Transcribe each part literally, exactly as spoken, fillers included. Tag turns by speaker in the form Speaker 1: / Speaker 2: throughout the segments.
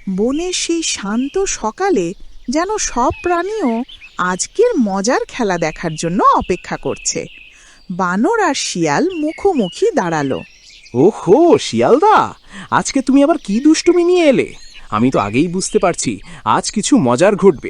Speaker 1: বনের সেই শান্ত সকালে যেন সব প্রাণীও আজকের মজার খেলা দেখার জন্য অপেক্ষা করছে। বানর আর শিয়াল মুখোমুখি দাঁড়ালো।
Speaker 2: ওহো শিয়ালদা, আজকে তুমি আবার কি দুষ্টুমি নিয়ে এলে? আমি তো আগেই বুঝতে পারছি আজ কিছু মজার ঘটবে।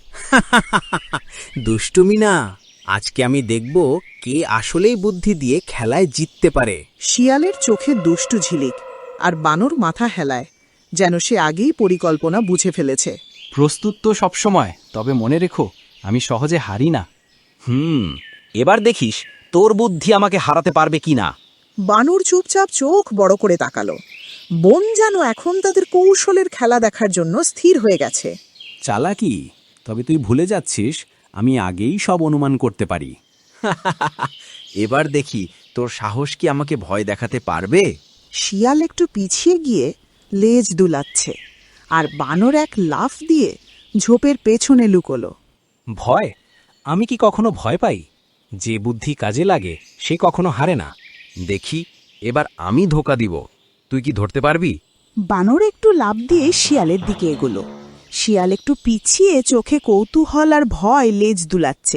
Speaker 3: দুষ্টুমি না, আজকে আমি দেখব কে আসলেই বুদ্ধি দিয়ে খেলায় জিততে পারে।
Speaker 1: শিয়ালের চোখে দুষ্টু ঝিলিক, আর বানর মাথা হেলায়, যেন সে আগেই পরিকল্পনা বুঝে ফেলেছে।
Speaker 4: প্রস্তুত তো সবসময়, তবে মনে রেখো আমি সহজে হারি না।
Speaker 3: হুম, এবার দেখিস তোর বুদ্ধি আমাকে হারাতে পারবে কিনা।
Speaker 1: বানর চুপচাপ চোখ বড় করে তাকালো। বন যেন এখন তাদের কৌশলের খেলা দেখার জন্য স্থির হয়ে গেছে।
Speaker 4: চালাকি, তবে তুই ভুলে যাচ্ছিস আমি আগেই সব অনুমান করতে পারি।
Speaker 3: এবার দেখি তোর সাহস কি আমাকে ভয় দেখাতে পারবে।
Speaker 1: শিয়াল একটু পিছিয়ে গিয়ে লেজ দুলাচ্ছে, আর বানর এক লাফ দিয়ে ঝোপের পেছনে লুকোলো।
Speaker 4: ভয়? আমি কি কখনো ভয় পাই? যে বুদ্ধি কাজে লাগে সে কখনো হারে না।
Speaker 3: দেখি এবার আমি ধোকা দিব, তুই কি ধরতে পারবি?
Speaker 1: বানর একটু লাফ দিয়ে শিয়ালের দিকে এগোলো। শিয়াল একটু পিছিয়ে চোখে কৌতূহল আর ভয় লেজ দুলাচ্ছে।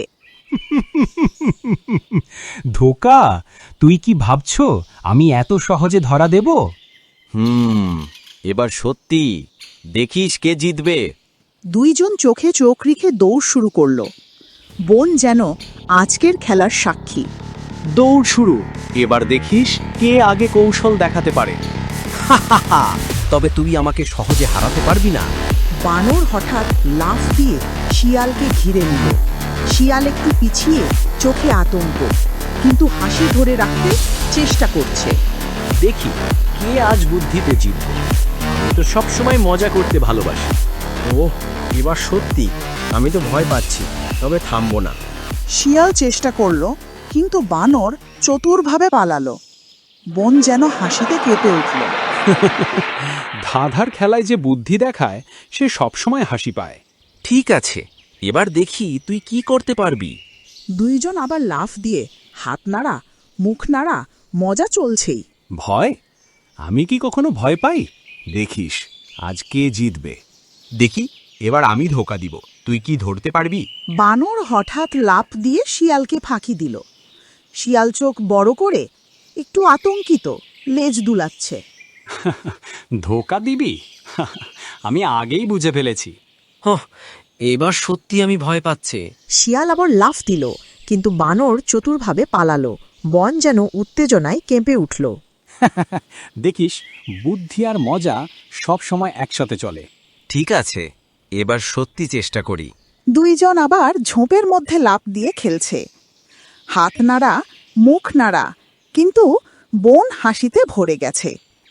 Speaker 4: ধোকা? তুই কি ভাবছ আমি এত সহজে ধরা দেব?
Speaker 3: হুম, এবার সত্যি দেখিস কে জিতবে।
Speaker 1: দুইজন চোখে চোখ রেখে দৌড় শুরু করলো। বন যেন আজকের খেলার সাক্ষী।
Speaker 2: দৌড় শুরু। এবার দেখিস কে আগে কৌশল দেখাতে পারে।
Speaker 3: তবে তুই আমাকে সহজে হারাতে পারবি না।
Speaker 1: বানর হঠাৎ লাফ দিয়ে শিয়ালকে ঘিরে নিল। শিয়াল একটু পিছিয়ে, চোখে আতঙ্ক, কিন্তু হাসি ধরে রাখতে চেষ্টা করছে।
Speaker 2: দেখি কে আজ বুদ্ধিতে জিতবে। আমি তো সবসময় মজা করতে ভালোবাসি। ও এবার সত্যি আমি তো ভয় পাচ্ছি, তবে থামবো না।
Speaker 1: শিয়াল চেষ্টা করলো, কিন্তু বানর চতুরভাবে পালালো। বন যেন হাসিতে কেঁপে উঠল।
Speaker 4: ধাঁধার খেলায় যে বুদ্ধি দেখায় সে সবসময় হাসি পায়।
Speaker 3: ঠিক আছে, এবার দেখি তুই কি করতে পারবি।
Speaker 1: দুইজন আবার লাফ দিয়ে হাত নাড়া, মুখ নাড়া, মজা চলছেই।
Speaker 4: ভয়? আমি কি কখনো ভয় পাই? দেখিস আজ কে জিতবে।
Speaker 3: দেখি এবার আমি ধোকা দিব, তুই কি ধরতে পারবি?
Speaker 1: বানর হঠাৎ লাফ দিয়ে শিয়ালকে ফাঁকি দিল। শিয়াল চোখ বড় করে একটু আতঙ্কিত, লেজ দুলাচ্ছে।
Speaker 4: ধোকা দিবি? আমি আগেই বুঝে ফেলেছি।
Speaker 3: হ্যাঁ, এবার সত্যি আমি ভয় পাচ্ছে।
Speaker 1: শিয়াল আবার লাফ দিল, কিন্তু বানর চতুরভাবে পালালো। বন যেন উত্তেজনায় কেঁপে উঠল।
Speaker 4: দেখিস বুদ্ধি আর মজা সব সময় একসাথে চলে।
Speaker 3: ঠিক আছে, এবার সত্যি চেষ্টা করি।
Speaker 1: দুইজন আবার ঝোপের মধ্যে লাফ দিয়ে খেলছে, হাত নাড়া, মুখ নাড়া, কিন্তু বন হাসিতে ভরে গেছে।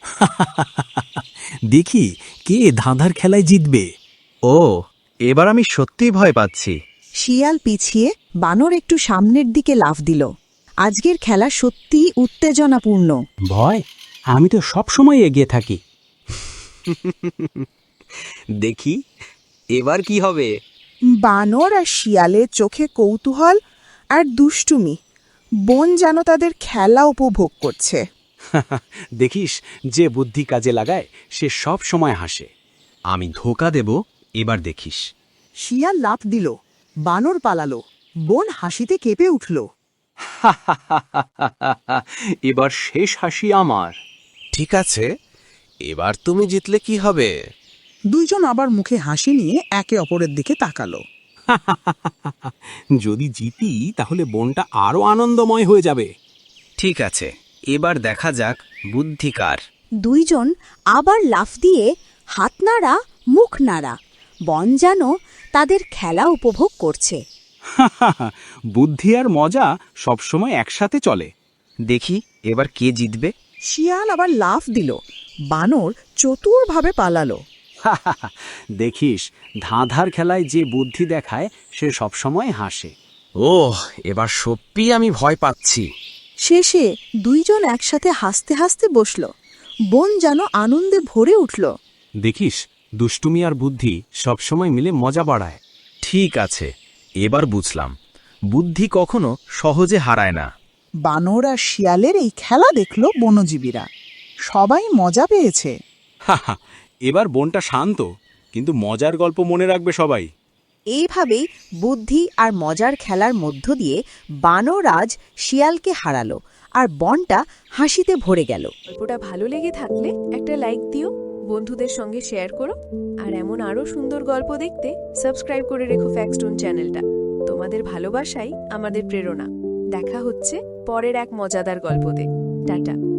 Speaker 4: দেখি কে ধাঁধার খেলায় জিতবে।
Speaker 3: ও, এবার আমি সত্যিই ভয় পাচ্ছি।
Speaker 1: শিয়াল পিছিয়ে, বানর একটু সামনের দিকে লাফ দিল। আজকের খেলা সত্যিই উত্তেজনাপূর্ণ।
Speaker 4: ভয়? আমি তো সব সময় এগিয়ে থাকি।
Speaker 3: দেখি এবার কি হবে।
Speaker 1: বানর আর শিয়ালের চোখে কৌতূহল আর দুষ্টুমি। বন যেন তাদের খেলা উপভোগ করছে।
Speaker 4: দেখিস যে বুদ্ধি কাজে লাগায় সে সব সময় হাসে।
Speaker 3: আমি ধোকা দেব, এবার দেখিস।
Speaker 1: শিয়াল লাফ দিল, বানর পালালো, বন হাসিতে কেঁপে উঠল।
Speaker 4: এবার শেষ হাসি আমার।
Speaker 3: ঠিক আছে, এবার তুমি জিতলে কি হবে?
Speaker 1: দুইজন আবার মুখে হাসি নিয়ে একে অপরের দিকে তাকালো।
Speaker 4: যদি জিতি তাহলে বনটা আরো আনন্দময় হয়ে যাবে।
Speaker 3: ঠিক আছে, এবার দেখা যাক বুদ্ধি কার।
Speaker 5: দুইজন আবার লাফ দিয়ে হাত নাড়া, মুখ নাড়া, বন যেন তাদের খেলা উপভোগ করছে।
Speaker 4: বুদ্ধি আর মজা সবসময় একসাথে চলে।
Speaker 3: দেখি এবার কে জিতবে।
Speaker 1: শিয়াল আবার লাফ দিল, বানর চতুরভাবে পালালো।
Speaker 4: দেখিস ধাঁধার খেলায় যে বুদ্ধি দেখায় সে সবসময় হাসে।
Speaker 3: ওহ, এবার সত্যি আমি ভয় পাচ্ছি।
Speaker 5: শেষে দুইজন একসাথে হাসতে হাসতে বসল। বন যেন আনন্দে ভরে উঠল।
Speaker 4: দেখিস দুষ্টুমি আর বুদ্ধি সবসময় মিলে মজা বাড়ায়।
Speaker 3: ঠিক আছে, এবার বুঝলাম বুদ্ধি কখনো সহজে হারায় না।
Speaker 1: বানর আর শিয়ালের এই খেলা দেখল বনজীবীরা। সবাই মজা পেয়েছে।
Speaker 4: হাহা, এবার বনটা শান্ত, কিন্তু মজার গল্প মনে রাখবে সবাই।
Speaker 5: এইভাবেই বুদ্ধি আর মজার খেলার মধ্য দিয়ে বানরাজ শিয়ালকে হারালো আর বনটা হাসিতে ভরে গেল।
Speaker 6: গল্পটা ভালো লেগে থাকলে একটা লাইক দিও, বন্ধুদের সঙ্গে শেয়ার করো, আর এমন আরও সুন্দর গল্প দেখতে সাবস্ক্রাইব করে রেখো ফ্যাক্সটোন চ্যানেলটা। তোমাদের ভালোবাসাই আমাদের প্রেরণা। দেখা হচ্ছে পরের এক মজাদার গল্পতে। টাটা।